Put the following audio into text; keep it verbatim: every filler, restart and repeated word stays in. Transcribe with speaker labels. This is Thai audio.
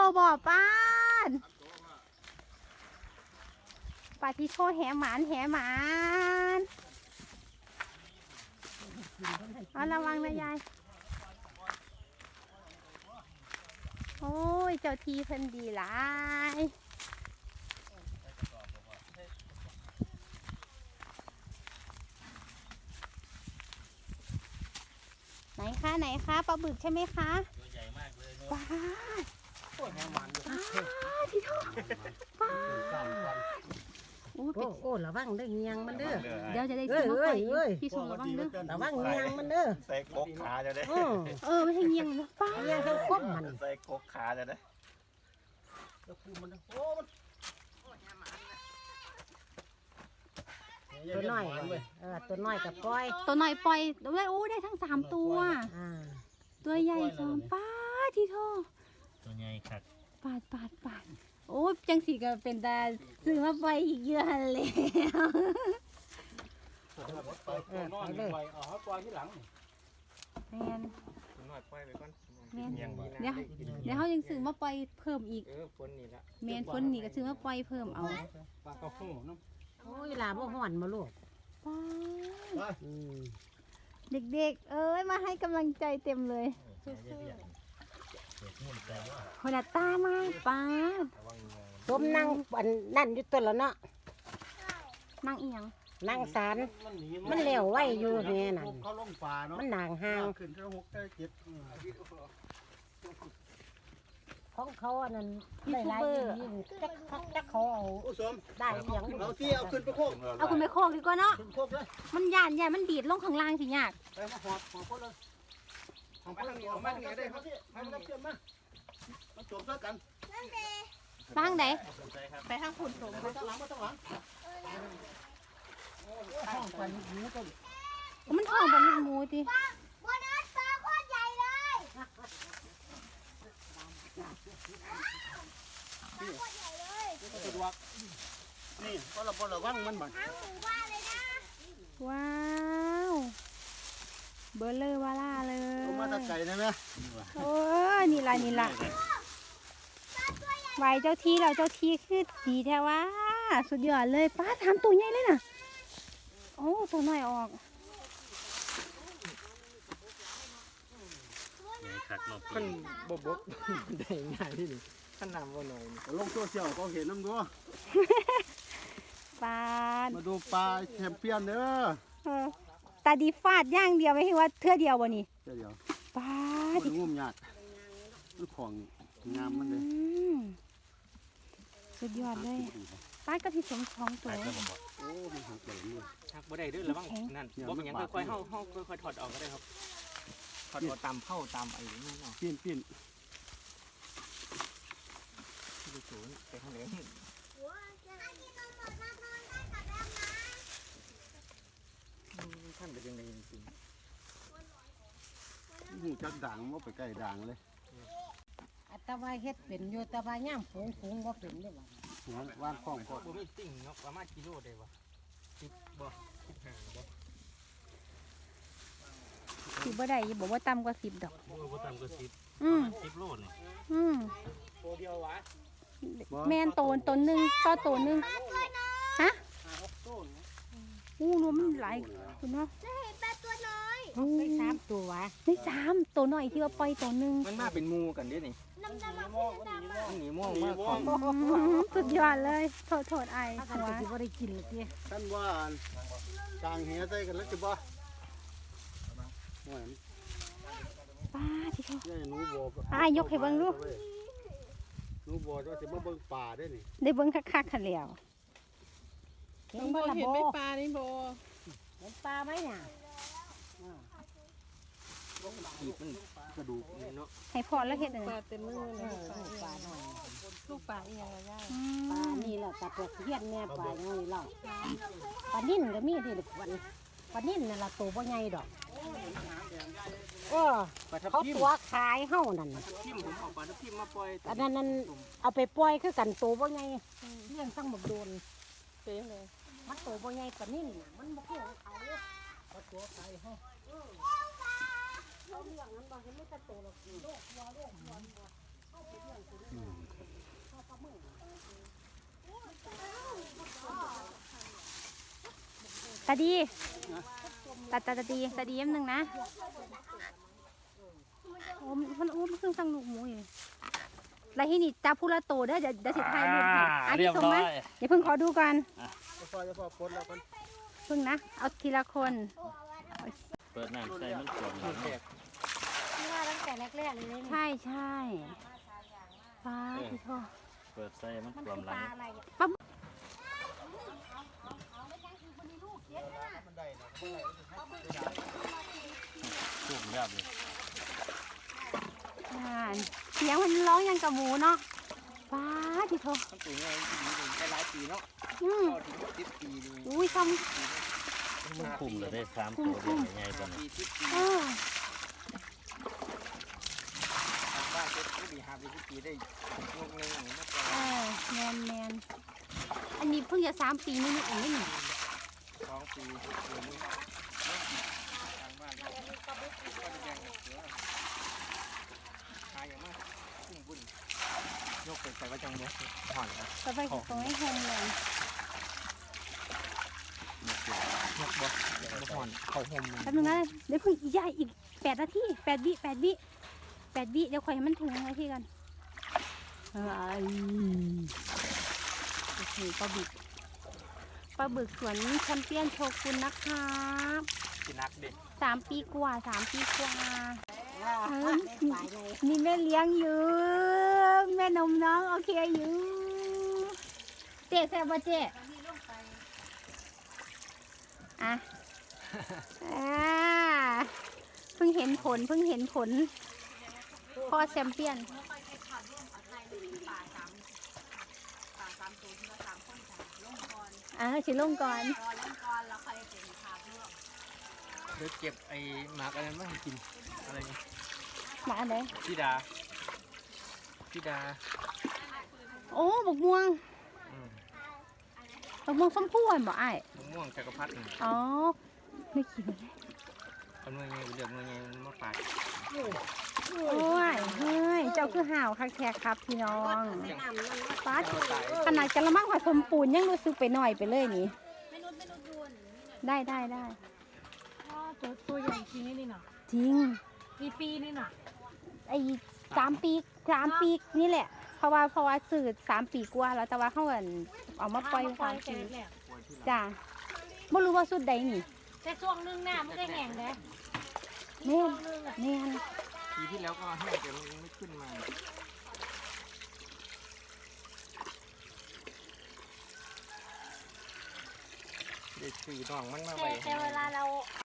Speaker 1: บ่อป้านปลาที่โชแหหมานแหหมานเอาระวังนะยายโอ้ยเจ้าทีเพิ่นดีหลายไหนคะไหนคะปลาบึกใช่ไหมคะ
Speaker 2: ตัวใหญ่มากเลย
Speaker 1: ป้า
Speaker 3: โอ้ยแห้งมัน
Speaker 1: ป้าที่โทป้าโอ้ย
Speaker 4: โอ้ระวังได้เงียงมันเด้อ
Speaker 1: เดี๋ยวจะได้ซื้อมาปล่อยพี่ชมระวังเด้อ
Speaker 4: ระวังเงียงมันเด้อ
Speaker 2: ใส่กกขาจะได้
Speaker 1: เออไม่ใช่เงียงนะป้า
Speaker 4: เงียงทั้งก้มมัน
Speaker 2: ใส่กกขาจะได้
Speaker 4: ตัวน้อยเออตัวน้อยกับปล่อย
Speaker 1: ตัวน้อยปล่อยได้โอ้ได้ทั้งสามตัวตัวใหญ่สองป้าที่โท
Speaker 2: ตัวใหญ่ครับ
Speaker 1: ปาดปาดปาดโอ้จังสีก็เป็นตาซื้อมาปล่อยอีกเยอะเลย
Speaker 3: ไปเลยเอาเขาปล่อยที่หลัง
Speaker 1: แมน
Speaker 2: ตัวน้อยปล่อยไปก่อน
Speaker 1: แมนเดี๋ยวเดี๋ยวเขายังซื้อมาปล่อยเพิ่มอีก
Speaker 2: เออฝนนี่ละ
Speaker 1: แมนฝนนี่ก็ซื้อมาปล่อยเพิ่มเอา
Speaker 3: ปลากระโห้น้
Speaker 4: ำโอ้ยลาบ่ห่อนมาลูก
Speaker 1: เด็กๆเอ้ยมาให้กำลังใจเต็มเลยคนละตามาป้า
Speaker 4: ต้มนั่งนั่นอยู่ตัวละเนาะ
Speaker 1: นั่งอีหยัง
Speaker 4: นั่งสารมันเหลวไหวอยู่แม่นั่น
Speaker 3: เขาลงป่าเนาะ
Speaker 4: มันหนางห่าง
Speaker 3: ขึ้นเท่าหกเท่าเจ็ด
Speaker 4: ของเขาอันนั้นได้หลายยิ่งจักจักเขาเอาได้เสียง
Speaker 3: เอาที่เอาขึ้นไปโคก
Speaker 1: เอาขึ้นไปโคกดีกว่าเนาะมันย่านย่านมันดีดลงข้างล่างสิยาก
Speaker 3: ไปมาหอบหอบคนเลยหอบคนเลยหอบมันก็ได้ครับให้มันเชื่อมมามาโจมเท่ากัน
Speaker 1: บ้างไหนไปทางขุนสม
Speaker 3: ไปทางหลังมาทางหลังห้องกันหมูต้น
Speaker 1: มันท้องเป็นหมูดิ
Speaker 5: บนนั้นปลาโคตรใหญ่เลยปลาโคตรใหญ่เลย
Speaker 3: สะดวกนี่ก็เราบ่ระวังมันบ่
Speaker 5: ทั้งหมู่บ้านเลยนะ
Speaker 1: ว้าวเบอร์เลอร์วาล่าเลย
Speaker 3: มาตะไก่ได้ไหม
Speaker 1: โอ้นี่ละนี่ละไหวเจ้าที่เราเจ้าที่คือดีแท้ว่าสุดยอดเลยป้าถามตัวใหญ่เลยน่ะโอ้ตัวน้อยออก
Speaker 3: ขั้นบบกได้ง่ายที่นี่ขั้นน้ำว่าหน่อยลงโซเชียลก็เห็นน้ำด้วย
Speaker 1: ปลา
Speaker 3: มาดูปลาแชมเปี้ยนเด้อ
Speaker 1: ตาดีฟาดย่างเดียวไม่ใช่ว่าเทื่อเดียววะนี่
Speaker 3: เทื่อเดียว
Speaker 1: ปลา
Speaker 3: ที่งุ่มยากมันของงามมันเลย
Speaker 1: สุดยอดเลยปลาก็ที่สมทองตัว
Speaker 3: โอ้มันหักเลยนี่
Speaker 2: หักบ่ได้ด้วยหรือบ้างนั่นบ่เป็นยังค่อยๆเฮาเฮาค่อยๆถอดออกก็ได้ครับถอดตามเข้าตามไอ้นี่เนาะ
Speaker 3: ปิ้นปิ้น
Speaker 2: ดูสูงไปข้างเหนือท่านเป็นยังไงจริง
Speaker 3: ๆหูจักด่างว่าไปใกล้ด่างเลย
Speaker 4: อัตวาเฮ็ดเป็นอยู่ตะวาย่ำฝูงฝูงว่าเป็นได้บ่
Speaker 3: ว่านคล้องก็
Speaker 2: บ่มีติ่งเนาะประมาณกิโลได้บ่สิบบ่สิบห้าบ่
Speaker 1: สิบบ่ได้บอกว่าต่ำกว่าสิบดอก
Speaker 2: บ่บ่ต่ำกว่าสิบ
Speaker 1: อืม
Speaker 2: สิบโลนี่
Speaker 1: อืม
Speaker 2: ตัวเดียววะ
Speaker 1: แมนโตนต้นหนึ่งต่อโตนหนึ่งฮะอู้รวมหลายคุณเนาะ
Speaker 5: จะเห็นปลาตัวน้อย
Speaker 4: ได้สามตัววะ
Speaker 1: ได้สามตัวหน่อยที่ว่าปล่อยตัวหนึ่ง
Speaker 2: มันมาเป็นงูกันดินี่
Speaker 5: น้ำดำมัน
Speaker 2: หนีม่วงมาก
Speaker 1: สุดยอดเลยโทษโทษไอ้
Speaker 4: หัวที่ว่าได้กินเลยพี่
Speaker 3: ท่านว่ากลางเหี้ยใส่กันแล้วจะบ่
Speaker 1: ป้าที่เขา
Speaker 3: หนูบัว
Speaker 1: อ่ายกให้เบิ้งดู
Speaker 3: หนูบัวว่าจะมาเบิ้งป่าได้นี่
Speaker 1: ได้เบิ้งคักๆขันเหลียว
Speaker 6: เห็นบ่เห็นไม่ปลานี่โบ
Speaker 4: เห็นปลาไหมเนี่ย
Speaker 2: ขีดมันกระดูกเนาะ
Speaker 1: ให้พอแล้วเห็ดเลย
Speaker 6: ปลาเต็มมือเลย
Speaker 4: ปลาหน่อย
Speaker 6: ลูกปลาอีกอย่างไรย่า
Speaker 4: ปลานี่แหละปลาตัวเทียนแม่ปลาอย่างนี้เราปลานิ่นก็มีที่วันปลานิ่นน่ะละตัวบ่ใหญ่ดอกเออเขาตัวขายเฮ้านั่น
Speaker 2: พิมผมเอาปลาพิมมาปล่อย
Speaker 4: อันนั้นนั่นเอาไปปล่อยคือกันตัวบ่ใหญ่เลี้ยงตั้งหมดโดน
Speaker 6: เป็นเลย
Speaker 4: มันตัวบ่ใหญ่ปลานิ่นมันบ่คือของเขาเขาตัวขายเฮ้าเขาเลี้ยงนั้นบางทีไม่แต่โตหรอกโลกวัวโลกวัวเขาไปเลี้ยง
Speaker 1: ตาดีตาตาตาดีตาดีแป๊บนึงนะโอ้มันมันโอ้มันเพิ่งสั่งลูกหมูอยู่แล้วที่นี่จับผู้ละโตได้อเดี๋ยวเดี๋ยวสิถ่ายรูปให้อ่ะ
Speaker 2: เรี
Speaker 1: ที่
Speaker 2: ยบ
Speaker 1: ส่ง
Speaker 2: ร้อ
Speaker 1: มาย เดี๋ยวเพิ่งขอดูก่อน
Speaker 3: จะพอจะพอปนแล้วกัน
Speaker 1: เพิ่งนะเอาทีละคน
Speaker 2: เปิดน้ำใส่มันสวม
Speaker 4: ที่ว่าตั้งแต่แรกๆเลยนี่
Speaker 1: ใช่ใช่ป้าพี่โทษ
Speaker 2: เปิดใส่มัน
Speaker 4: มัน
Speaker 2: สว
Speaker 4: คื
Speaker 2: ม
Speaker 4: อ
Speaker 2: ห
Speaker 4: ป
Speaker 2: ลั
Speaker 4: ลาง อะไรอ่ะ
Speaker 3: มันได้นะ
Speaker 2: ชุ่มเรียบเลย
Speaker 1: อ่าเสียงมันร้องยังกับหมูเนาะป้าพี่โทษ
Speaker 2: มันตัวนี้ดีเลยได้หลายปีเนาะ
Speaker 1: อืม
Speaker 2: ก็ถึงสิบปีเลย
Speaker 1: อุ้ยท
Speaker 2: มันคุ้มเลยได้สามตัวเดียวใหญ่ๆกว่านี้
Speaker 1: ำเออ
Speaker 2: ทางบ้านเจ็ดปีห้าปีสิบปีได้ลูกหนึ่งอย่างนี้
Speaker 1: เออแมนแมนอันนี้เพิ่งจะสามปีนี่นี่เองนี่
Speaker 2: สองปีเดือนนี้ทางบ้านก็จะแบ่งเสือหาอย่างมากคุ้มบุญยกไปใส่ว่าจังเลยห่อนครับ
Speaker 1: ต่อไปจะส่งให้โฮมเลย
Speaker 2: ยกบ่เดี๋ยวบ่ห่อนเข้าห่ม
Speaker 1: แป๊บนึงนะเดี๋ยวเพิ่งอีกใหญ่อีกแปดนาทีแปดวิแปดวิแปดวิเดี๋ยวคอยให้มันถึงนาทีกันเอ้ยโอเคปลาบึกปลาบึกสวนแชมเปี้ยนโชกุนนะครับ
Speaker 2: กินนักเด็ก
Speaker 1: สามปีกว่าสามปีกว่า
Speaker 4: เออได้ปลาใหญ่
Speaker 1: มีแม่เลี้ยงอยู่แม่นมน้องโอเคอยู่เจ๊แซ่บป่ะเจ๊อ่ะอ่าเพิ่งเห็นผลเพิ่งเห็นผลพ่อแชมเปี้ยนอ่าชิลงก่อน
Speaker 2: เดี๋ยวเก็บไอ้หมากอะไรมาให้กินอะไรเงี้ย
Speaker 1: มาอันไหน
Speaker 2: พี่ดาพี่ดา
Speaker 1: โอ้บกม่วง
Speaker 2: อืม
Speaker 1: บกม่วงส้มพู่อ่ะบ่อ้าย
Speaker 2: มะม่วงจักรพรรดินี่
Speaker 1: อ๋อไม่กินเลย
Speaker 2: เอาเมื่อไงเดือดเมื่อไงมันมาปาด
Speaker 1: โอ้ยเฮ้ยเจ้าคือห่าวคักแท้ครับพี่น้อง
Speaker 4: ใส่น้ำนั่นนะ
Speaker 1: ป้าขนาดกระมังผสมปูนยังรู้สึกไปหน่อยไปเลยนี่ได้ได้ได้
Speaker 6: ตัวตัวใหญ่จริงนี่น่ะ
Speaker 1: จริง
Speaker 6: กี่ปีนี่น่ะ
Speaker 1: ไอ้สามปีสามปีนี่แหละ เพราะว่าเพราะว่าสื่อสามปีกว่าแล้วแต่ว่าเขาเอินเอามาปล่อยสามปี
Speaker 6: แหละ
Speaker 1: จ้าไม่รู้ว่าสุดใดนี่
Speaker 6: แต่ช่วงนึงหน้ามันก็แห้งเลย
Speaker 1: แม่นแม่น
Speaker 2: ปีที่แล้วก็แห้งแต่มันไม่ขึ้นมาเด็กสี่น้องมันมาไว้
Speaker 4: แต่เวลาเรา